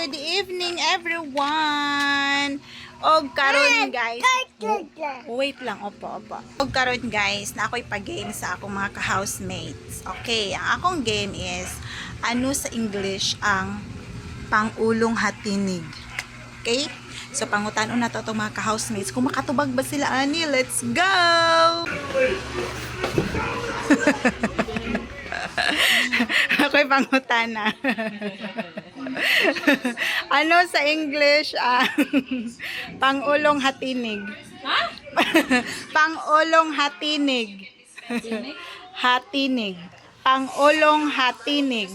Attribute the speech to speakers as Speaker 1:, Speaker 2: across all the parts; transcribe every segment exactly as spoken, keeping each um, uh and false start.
Speaker 1: good evening everyone. Og karon guys. Wait lang, opo, opo. Og karon guys, na ako'y pag-game sa akong mga ka-housemates. Okay, ang akong game is ano sa English ang pang-ulong hatinig. Okay? So pangutan-on na to itong mga ka-housemates. Kung makatubag ba sila ani, let's go! Ako'y pangutan na. Ano sa English ang pang-ulong hatinig?
Speaker 2: Ha?
Speaker 1: Pang-ulong hatinig. Hatinig. Pang-ulong hatinig.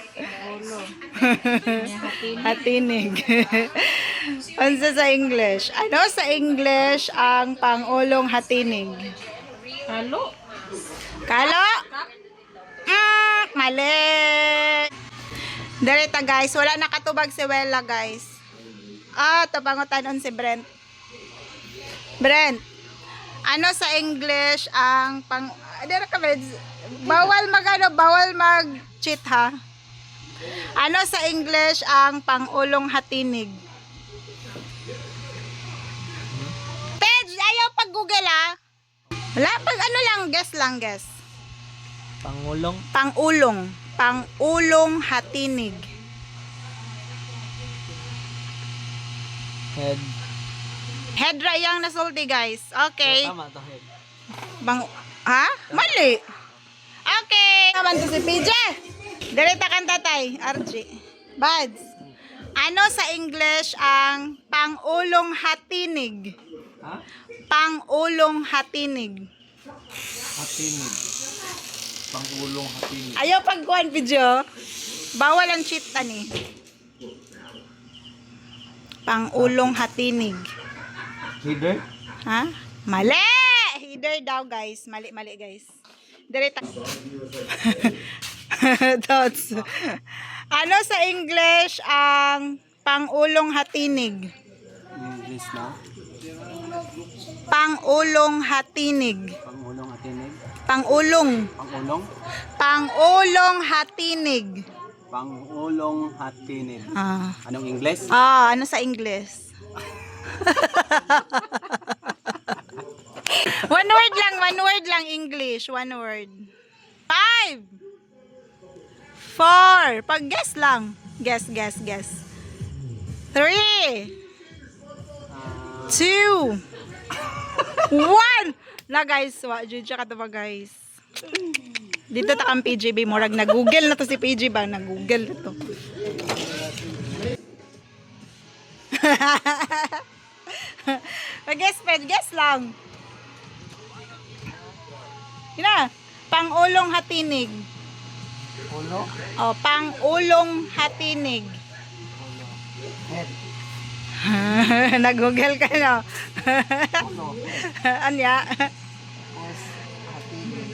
Speaker 1: Hatinig. Ano sa English? Ano sa English ang pang-ulong hatinig?
Speaker 2: Halo?
Speaker 1: Kalo? Mm, mali. Direta guys, wala nakatubag si Wella guys. Ah, tabangotanon si Brent. Brent, ano sa English ang pang... Dira ka, bawal mag ano, bawal mag cheat ha. Ano sa English ang pang-ulong hatinig? Page, ayaw pag Google ah. Wala, pag ano lang, guess lang, guess.
Speaker 3: Pangulong.
Speaker 1: Pang-ulong. Pang-ulong hatinig.
Speaker 3: Head.
Speaker 1: Head rayang nasulti guys. Okay.
Speaker 3: Tama to head.
Speaker 1: Bang, ha? Mali. Okay. Naman to si P J. Direta kan tatay. R J. Buds. Ano sa English ang pang-ulong hatinig?
Speaker 3: Ha?
Speaker 1: Pang-ulong hatinig.
Speaker 3: Hatinig. Pangulong hatinig.
Speaker 1: Ayaw pagkuhan video. Bawal ang cheat tani. Pang-ulong hatinig.
Speaker 3: Header?
Speaker 1: Ha? Mali! Header daw guys. Mali, mali guys. Direta. Thoughts. Ano sa English ang pang-ulong hatinig?
Speaker 3: English na.
Speaker 1: Pang-ulong hatinig.
Speaker 3: Pangulong hatinig.
Speaker 1: Pang-ulong.
Speaker 3: Pangulong.
Speaker 1: Pang-ulong hatinig.
Speaker 3: Pangulong hatinig.
Speaker 1: Ah.
Speaker 3: Anong English?
Speaker 1: Ah, ano sa English? One word lang, one word lang English, one word. Five. Four. Pag-guess lang. Guess, guess, guess. Three.
Speaker 3: Uh,
Speaker 1: Two. One. Na guys, wa jud siya katuba guys. Dito ta kang P J B murag na Google na to si P J ba, na Google na to. Mag-guess, guess lang. Ina, pang-ulong hatinig.
Speaker 3: ulo.
Speaker 1: Oh, pang-ulong hatinig.
Speaker 3: Head.
Speaker 1: Nag-google ka no.
Speaker 3: Ulo.
Speaker 1: Anya?
Speaker 3: S. Hatinig.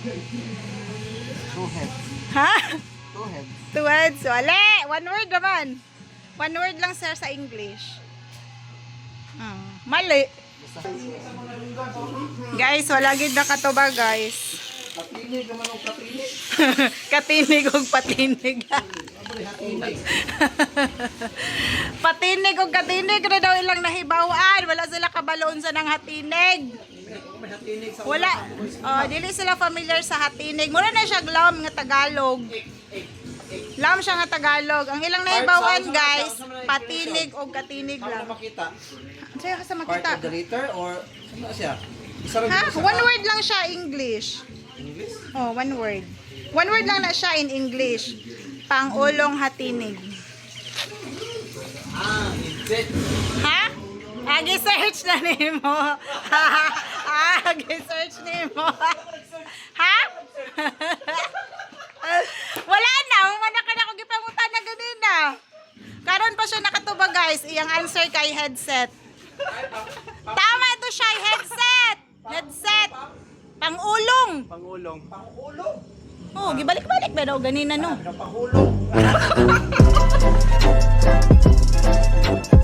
Speaker 3: Two heads.
Speaker 1: Ha?
Speaker 3: Two heads.
Speaker 1: Two words. Wala. One word naman. One word lang sir sa English. Hmm. Mali. Guys, wala gid nakatuba guys.
Speaker 3: Patinig naman ang patinig.
Speaker 1: Katinig og patinig. Patinig og katinig ra daw ilang nahibawan. Wala sila kabaloon sa nang hatinig. Wala. Oh, dili sila familiar sa hatinig. Mura na siya glam nga Tagalog. Lam siya nga Tagalog. Ang ilang nahibawan guys, patinig og katinig lang.
Speaker 3: Makita.
Speaker 1: Sa'yo ka sa
Speaker 3: Part
Speaker 1: makita.
Speaker 3: of the letter or ano siya? Isa lang
Speaker 1: Ha?
Speaker 3: dito sa-
Speaker 1: One word lang siya English.
Speaker 3: English?
Speaker 1: Oh, one word. One word lang na siya in English. Pang-ulong hatinig.
Speaker 3: Ah, inset.
Speaker 1: Ha? Agi search na nimo. Agi search nimo. Ha? Wala na, umana ka na kung gipangutan na ganina. Karon pa siya nakatuba guys, iyang answer kay headset. Tama to siya, headset. Headset. Pang-ulong.
Speaker 3: Pangulong. Pangulong?
Speaker 1: Oh, gibalik-balik ba daw ganina no?
Speaker 3: Pangulong.